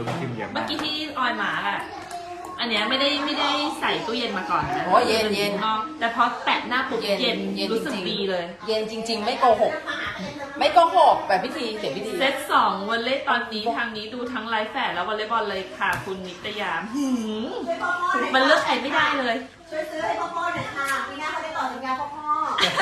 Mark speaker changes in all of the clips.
Speaker 1: ลูกพิมพ์เยอะ
Speaker 2: เมื่
Speaker 1: มา
Speaker 2: อก กี้ที่ออยมาอ่ะอันเนี้ยไม่ได้ใส่ตู้เย็นมาก่อนนะ
Speaker 3: โอ้เย็นเย็น
Speaker 2: แต่พอแตะหน้าปุ๊บเย็น
Speaker 3: เย็น
Speaker 2: รู้สึก
Speaker 3: จริงๆ
Speaker 2: ดีเลย
Speaker 3: เย็นจริง ๆ ไม่โกหก ไม่โกหกแบบพิธีเสียพิธี
Speaker 2: เซต2วันเล่ตอนนี้ทางนี้ดูทั้งไลฟ์แฝดแล้ววอลเลย์บอลเลยค่ะคุณนิตยามมันเลือกใครไม่ได้เลย
Speaker 4: ช่วยซื้อให้พ่อหน่อยค่ะปีหน้าเขาได้ต่อสัญญาพ่อพ่อ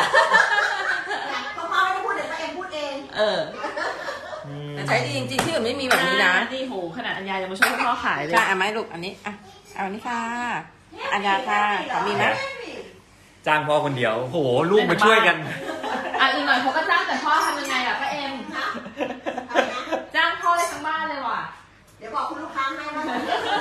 Speaker 4: ไม่ได้พูดเดี๋ยวตัวเองพูดเอง
Speaker 3: แต่ใช้ดีจริงๆที่อื่นไม่มีแบบนี้นะ
Speaker 2: นี่โหขนาดอัญญายังมาช่วยพ่อขายเลย
Speaker 3: ใช่เอาไหมลูกอันนี้อ่ะเอาอันนี้ค่ะอัญญาค่ะขอมีไหม
Speaker 1: จ้างพ่อคนเดียวโหลูกมาช่วยกัน
Speaker 2: อีกหน่อยเขาก็จ้างแต่พ่อทำยังไงอ่ะป้าเอ็มจ้างพ่อเลยทั้งบ้านเลยว่ะ
Speaker 4: เดี๋ยวบอกคุณลูกค้าให้ว่า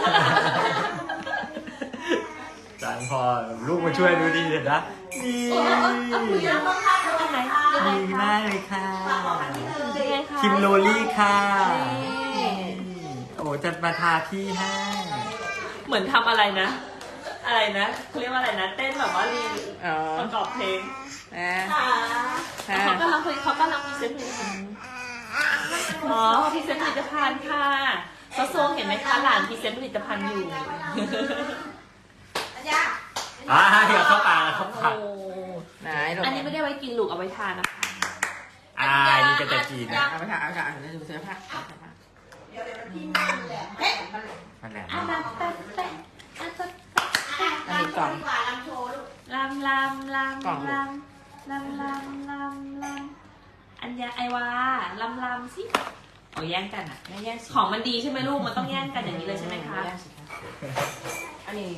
Speaker 1: จ้างพ่อลูกมาช่วยดูดีเด็ดนะนี่
Speaker 4: คุยกันต้องค่าเท่าไหร่คะ
Speaker 1: ดีมากเลยค่ะ
Speaker 2: ยังไงคะ
Speaker 1: คิมโรลี่ค่ะโอ้จะมาทาที่ให้
Speaker 2: เหมือนทำอะไรนะ อะไรนะเขาเรียกว่าอะไรนะ เต้นแบบว่ารี
Speaker 3: อ๋อ
Speaker 2: ประกอบเพลง
Speaker 3: นะ
Speaker 4: ค่ะ
Speaker 3: ค่ะ
Speaker 2: เขากำลังพรีเซนต์ผลิตภัณฑ์อ๋อพรีเซนต์ผลิตภัณฑ์ค่ะซอโซงเห็นไหมคะหลานพรีเซนต์ผลิตภัณฑ์อยู่
Speaker 4: อัญญา
Speaker 1: เดี๋ยวเข้าปากเข้าปาก
Speaker 2: โอ้
Speaker 3: ไหนลูก
Speaker 2: อันนี้ไม่ได้ไว้กินลูกเอาไว้ทานนะคะ
Speaker 1: นี่ก็จะกิน
Speaker 3: เอาไปค่ะเอาไปค่ะเดี๋ยวดูเสื้อผ้า
Speaker 4: เดี๋ยวพี่นั่งแหละเฮ้ย
Speaker 1: นั่นแหละ
Speaker 2: อันนั้นแป๊ะแป๊ะอันนั้น
Speaker 3: อันนี้กล่อง
Speaker 4: ดีกว่าลำโชว์ลูก
Speaker 2: ลำอันยาไอวาลำสิเอาแย่งกันอ่ะ
Speaker 3: ไม่แย่งสิ
Speaker 2: ของมันดีใช่ไหมลูกมันต้องแย่งกันอย่างนี้เลยใช่ไหมคะ
Speaker 3: แย่งสิอันนี้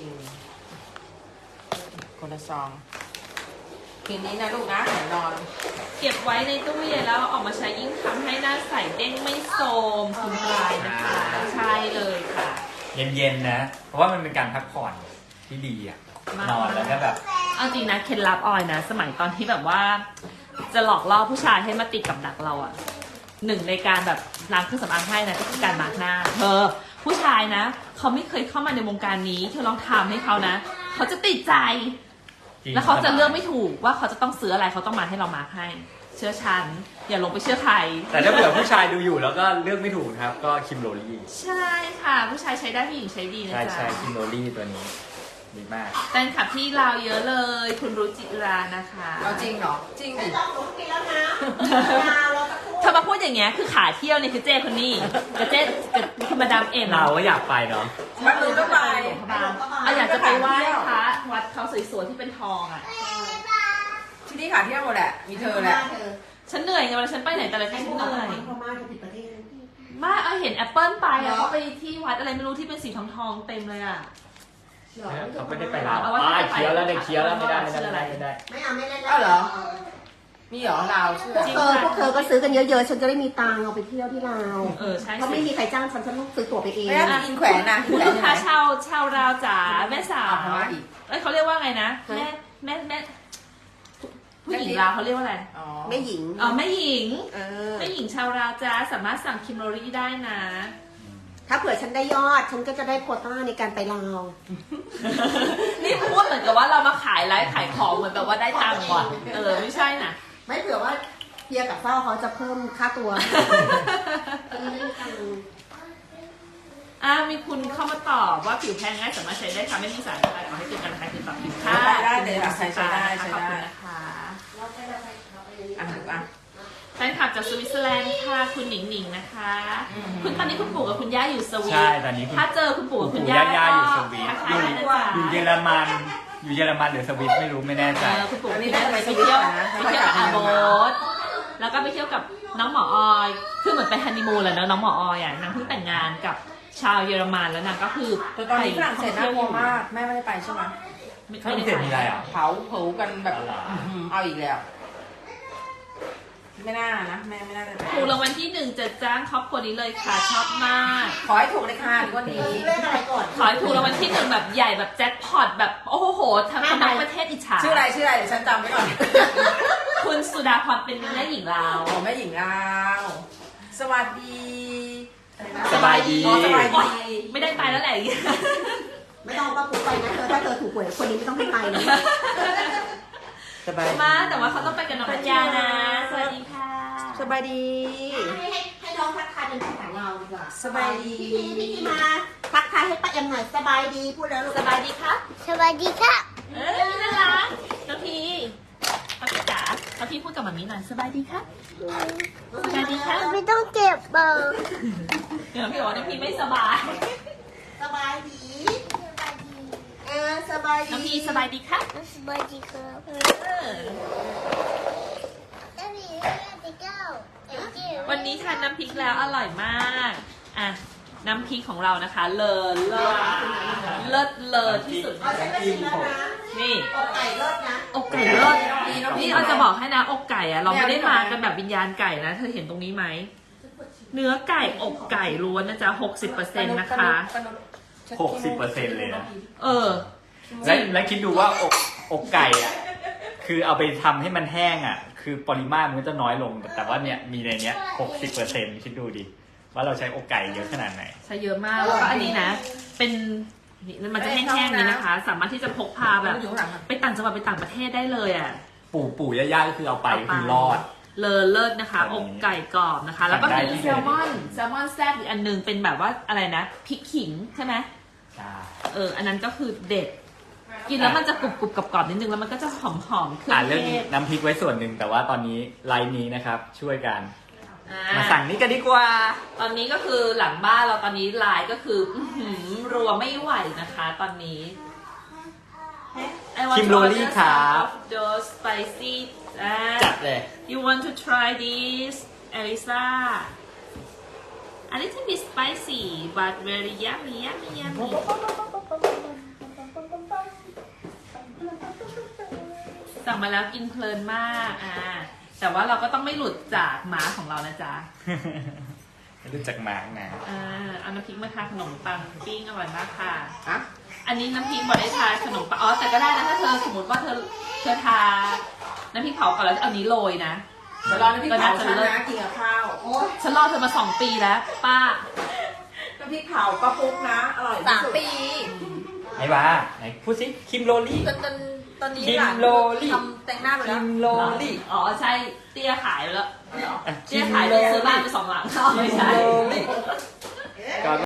Speaker 3: คนละซองคืนนี้นะลูกนะเดี๋ยวนอน
Speaker 2: เก็บไว้ในตู้เย็นแล้วออกมาใช้ยิ่งทำให้หน้าใสเด้งไม่โทรมคุณปลายนะคะ ใช่เลยค่ะ
Speaker 1: เย็นๆนะ เพราะว่ามันเป็นการพักผ่อนที่ดีอ่ะ นอนแล้วก็แบบ
Speaker 2: เอาจริงนะเคล็ดลับออยนะ สมัยตอนที่แบบว่า จะหลอกล่อผู้ชายให้มาติดกับดักเราอ่ะหนึ่งในการแบบล้างเครื่องสำอางให้นะก็คือการมาร์กหน้าผู้ชายนะเขาไม่เคยเข้ามาในวงการนี้เธอลองทำให้เขานะเขาจะติดใจ
Speaker 1: จริง
Speaker 2: แล้วเขาจะเลือกไม่ถูกว่าเขาจะต้องซื้ออะไรเขาต้องมาให้เรามาร์กให้ เชื่อฉันอย่าลงไปเชื่อใคร
Speaker 1: แต่ถ้าเผื่อผู้ชายดูอยู่แล้วก็เลือกไม่ถูกนะครับ ก็คิมโรลี่
Speaker 2: ใช่ค่ะ ผู้ชายใช้ได้ผู้หญิงใช้ดีนะ
Speaker 1: ใช่
Speaker 2: จ๊ะ
Speaker 1: ใช่คิมโรลี่ตัวนี้ ดีมาก
Speaker 2: แฟนคลับที่ลาวเยอะเลย คุณรู้จิรานะคะ
Speaker 3: เอาจริงเหรอจริง
Speaker 4: ไม่
Speaker 3: ดิ
Speaker 4: ต้องหนูกินแล้วนะยาวเราตะคุ
Speaker 2: เธอมาพูดอย่างเงี้ยคือขาเที่ยวนี่คือเจ้คนนี้กับเจ้กับคุณมาดามเอ็ม
Speaker 1: เราก็อยากไปเนาะ
Speaker 3: มันมือก็ไป
Speaker 2: เอาอยากจะไปไหว้พระวัดเขาสวยๆที่เป็นทองอ่ะ
Speaker 3: ที่นี่ขาเที่ยวหมดแหละมีเธอแหละ
Speaker 2: ฉันเหนื่อยไงเวลาฉันไปไหนแต่ละที่ฉันเหนื่อย
Speaker 4: พม่าจะผิดประเทศ
Speaker 2: มาเอาเห็นแอปเปิลไปอ่ะเขาไปที่วัดอะไรไม่รู้ที่เป็นสีทองๆเต็มเลยอ่ะ
Speaker 1: เขาไม่ได้ไปลาว
Speaker 2: เอาไว้
Speaker 1: เคี้ยวแล้วเด็กเคี้ยวแล้วไม่ได้
Speaker 2: ชื่ออะไร
Speaker 1: ไม่ได้
Speaker 4: ไม่เอาไม่เล่น
Speaker 3: เอาเหรอ มีเหรอลาวชื่อ
Speaker 4: พวกเธอก็ซื้อกันเยอะๆ ฉันจะได้มีตังค์เอาไปเที่ยวที่ลาว
Speaker 2: ใช่
Speaker 4: เขาไม่มีใครจ้างฉันต้องซื้อตั๋วไปเอง
Speaker 3: ไม่ได้กินแขวนนะกิน
Speaker 2: คุณ
Speaker 3: แขวน
Speaker 2: ลูก
Speaker 3: ที่ไหน
Speaker 2: ค้าชาวราวจ๋าแม่สาว
Speaker 3: เอาพม่าอีก
Speaker 2: เอ้ยเขาเรียกว่าไงนะแม่ผู้หญิงลาวเขาเรียกว่าอะไร
Speaker 3: อ๋อ
Speaker 4: แม่หญิง
Speaker 2: อ๋อแม่หญิง
Speaker 4: เออ
Speaker 2: แม่หญิงชาวราวจ้าสามารถสั่งคิมโรรี่ได้นะ
Speaker 4: ถ้าเผื่อฉันได้ยอด ฉันก็จะได้โควต้าในการไปลาว
Speaker 2: นี่พูดเหมือนกับว่าเรามาขายไลฟ์ขายของเหมือนแบบว่าได้ตังค์ว่ะไม่ใช่นะ
Speaker 4: ไม่เผื่อว่าเฮียกับเฝ้าเขาจะเพิ่มค่าตัวอันนี้ไม่มีตังค์
Speaker 2: มีคุณเข้ามาตอบว่าผิวแพ้ง่ายสามารถใช้ได้ค่ะไม่มีสารอะไรขอให้เกิดการคลายคือปรับผิวค่ะ
Speaker 3: ได้เลยค่ะใช้ได้ใช้
Speaker 2: ขอบ
Speaker 3: ได้
Speaker 2: คุณนะคะ
Speaker 3: อ่ะถูกอ่ะ
Speaker 2: แฟนคลับจากสวิตเซอร์แลนด์ค่ะคุณหนิงหนิงนะคะ คุณตอนนี้คุณปู่กับคุณย่าอยู่สวี
Speaker 1: ใช่
Speaker 2: ท
Speaker 1: ตอนนี้คุณ
Speaker 2: ถ้าเจอคุณปู่กับคุณ
Speaker 1: ปู่
Speaker 2: ย่า
Speaker 1: ย่าอยู่สวีท
Speaker 2: ทักทายได้นะจ๊ะ
Speaker 1: อยู่เยอรมัน อยู่เยอรมันหรือสวิตไม่รู้ไม่แน่ใจ
Speaker 2: คุณปู่
Speaker 3: อันนี้
Speaker 2: คุณ
Speaker 3: ได้
Speaker 2: ย่า
Speaker 3: ไป
Speaker 2: ไป
Speaker 3: สวิ
Speaker 2: เที่
Speaker 3: ต
Speaker 2: ยว
Speaker 3: ก่อนนะ
Speaker 2: ไปเที่ยวกับอาโบสแล้วก็ไปเที่ยวกับน้องหมอออยคือเหมือนไปฮันนีมูนแหละเนอะน้องหมอออยอ่ะนางเพิ่งแต่งงานกับชาวเยอรมันแล้วนางก็คือ
Speaker 3: แต่ตอนนี้ฝรั่งเศสน่ากลัวมากแม่ไม่ได้ไปใช่ไหม
Speaker 1: ฝรั่งเศสมีอะไรอ่ะ
Speaker 3: เผากันแบบเอาอีกแล้ว ไม่น่านะแม่ไม่น่าจะไป
Speaker 2: ถูกรางวัลที่1จะจ้างครอบครัวนี้เลยค่ะชอบมาก
Speaker 3: ขอให้ถูกเลยค่ะดีกว่านี้
Speaker 4: เล่นอะไรก่อน
Speaker 2: ขอให้ถูกรางวัลที่1แบบใหญ่แบบแจ็คพอตแบบโอ้โหทั้งประเทศอิจฉา
Speaker 3: ชื่ออะไรเดี๋ยวฉันจำไว้ก่อน
Speaker 2: คุณสุดาพรเป็นแม่หญิงลาว
Speaker 3: โอ้แม่หญิงลาวสวัสดีอะไรนะ
Speaker 1: สบายดี
Speaker 3: อ๋อสบาย
Speaker 2: โอ๊ย
Speaker 3: ดี
Speaker 2: ไม่ได้ไปแล้วแหละ
Speaker 4: ไม่ต้องป้าปุ๊ไปนะเธอถ้าเธอถูกหวยคนนี้ไม่ต้องให้ไปนะ
Speaker 1: สบายดี
Speaker 2: มาแต่ว่าเขาต้องไปกับน้องปัญญานะ สวัสดีค่ะ
Speaker 3: สสบายดี
Speaker 4: ให้น้องทักทายเป็นภาษาเราดีกว่า
Speaker 3: สบายดี
Speaker 4: พี่มาทักทายให้ป้าเอ็มหน่อยสบายดีพูดแล้วลูก
Speaker 2: สบายดีครับ
Speaker 5: สวัสดีค่ะ
Speaker 2: น่ารักน้องพีน้องพีจ๋าน้องพีพูดกับหมามีหน่อยสบายดีครับสบายดีครับ
Speaker 5: ไม่ต้องเก็บเบอร์
Speaker 2: เดี๋ยวน้องพีบอกว่าน้องพีไม่สบาย
Speaker 4: สบายดีสบายดี
Speaker 2: น้องพีสบายดีครับ
Speaker 5: สวัสดีครับ
Speaker 2: วันนี้ทานน้ำพริกแล้วอร่อยมากอ่ะน้ำพริกของเรานะคะเลิศเลอที่สุด
Speaker 4: เอาใช้ไปชิมแล้วนะ
Speaker 2: นี่
Speaker 4: อกไก่เลิศนะ
Speaker 2: อกไก่เลิศนี่เราจะบอกให้นะอกไก่อะเราไม่ได้มากันแบบวิญญาณไก่นะเธอเห็นตรงนี้ไหมเนื้อไก่อกไก่ล้วนนะจ๊ะ 60% นะคะ
Speaker 1: 60%เลยนะ
Speaker 2: เออ
Speaker 1: และคิดดูว่าอกไก่อ่ะคือเอาไปทำให้มันแห้งอ่ะ คือปริมาตรมันก็จะน้อยลง แต่ว่าเนี่ยมีในเนี้ย 60%คิดดูดิว่าเราใช้อกไก่เยอะขนาดไหน
Speaker 2: ใช้เยอะมากแล้วก็อันนี้นะ เป็นนี่มันจะแห้งๆนี้นะคะ สามารถที่จะพกพาแบบไปต่างจังหวัดไปต่างประเทศได้เลยอ่ะ
Speaker 1: ปู่ย่าก็คือเอาไปคือรอด
Speaker 2: เลอเลิศนะคะ อกไก่กรอบนะคะ แล้วก็มีแซลมอนแซ่บอีกอันนึงเป็นแบบว่าอะไรนะพริกขิงใช่ไหมอันนั้นก็คือเด็ด กินแล้วมันจะกรุบกรอบนิดนึงแล้วมันก็จะหอมเครื่อง
Speaker 1: เรื่อง
Speaker 2: เทศ
Speaker 1: น้ำพริกไว้ส่วนหนึ่งแต่ว่าตอนนี้ไลน์นี้นะครับ ช่วยกัน
Speaker 2: อ่
Speaker 1: มาสั่งนี้กันดีกว่า
Speaker 2: ตอนนี้ก็คือหลังบ้านเราตอนนี้ไลน์ก็คือรัวไม่ไหวนะคะ ตอนนี้ I want
Speaker 1: คิม
Speaker 2: to
Speaker 1: โร
Speaker 2: order
Speaker 1: ลี่ครับ
Speaker 2: some of those spicy
Speaker 1: จัดเลย
Speaker 2: You want to try this Elisa A little bit spicy but very yummy yummy สั่งมาแล้วกินเพลินมากแต่ว่าเราก็ต้องไม่หลุดจากม้าของเรานะจ๊ะ
Speaker 1: ไม่รู้จักหมานะ
Speaker 2: เอาน้ำพริกมาทาขนมปังปิ้งอร่อยมากค่ะ
Speaker 3: อะ
Speaker 2: อันนี้น้ำพริกบอกได้ทาขนมปังแต่ก็ได้นะถ้าเธอสมมติว่าเธอทาน้ำพริกเผาก่อนแล้วเอานี้โรยนะ
Speaker 3: เดี๋ยวรอน้ำพริกเผาฉันนะกินกับข้าว
Speaker 4: โอ้ย
Speaker 2: ฉันรอเธอมา2 ปีแล้ว ป้า
Speaker 3: น้ำพริกเผาป้าปุ๊กนะ อร่อยที่สุด
Speaker 1: ไอ้บ้าไหนพูดสิคิมโรลี่
Speaker 3: ตอนนี้
Speaker 1: คิม
Speaker 3: หลาน
Speaker 1: โรลี่
Speaker 3: ทำแต่งหน้าไป
Speaker 1: คิ
Speaker 3: แล้ว
Speaker 1: มโรลี่
Speaker 2: อ๋อใช่เตี้ยขายไปแล้ว
Speaker 1: อ่ะ
Speaker 2: เตี้ยขายไปซื้อบ้านไป2 หลังไม่ใช่
Speaker 1: ก็